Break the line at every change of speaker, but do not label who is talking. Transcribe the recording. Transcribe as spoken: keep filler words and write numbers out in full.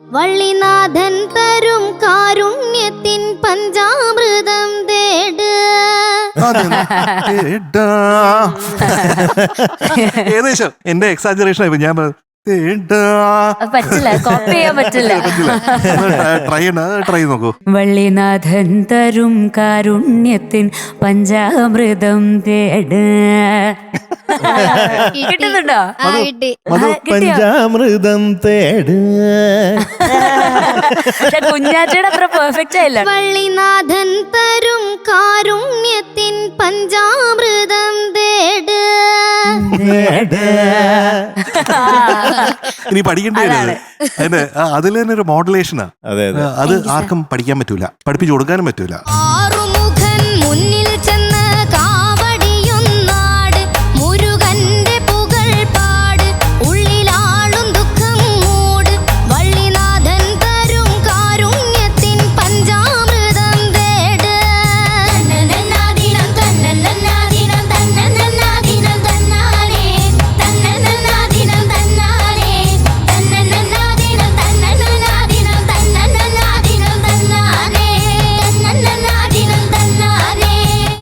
വള്ളിനാഥൻ തരും കാരുണ്യത്തിൻ പഞ്ചാമൃതം തേട്.
ഏകദേശം എന്റെ എക്സാജറേഷൻ ആയി ഞാൻ
പറ്റില്ല, കോപ്പി ചെയ്യാൻ പറ്റില്ല.
ട്രൈ ട്രൈ നോക്കൂ.
വള്ളിനാഥൻ തരും കാരുണ്യത്തിൻ പഞ്ചാമൃതം തേട്. കിട്ടുന്നുണ്ടോ?
പഞ്ചാമൃതം തേട്.
കുഞ്ഞാറ്റയുടെ അത്ര പെർഫെക്റ്റ് ആയില്ല.
വള്ളിനാഥൻ തരും കാരുണ്യത്തിൻ പഞ്ചാമൃതം തേട്.
ഇനി പഠിക്കേണ്ടി അതിന്റെ അതിൽ തന്നെ ഒരു മോഡുലേഷനാ. അത് ആർക്കും പഠിക്കാൻ പറ്റൂല, പഠിപ്പിച്ചു കൊടുക്കാനും പറ്റൂല.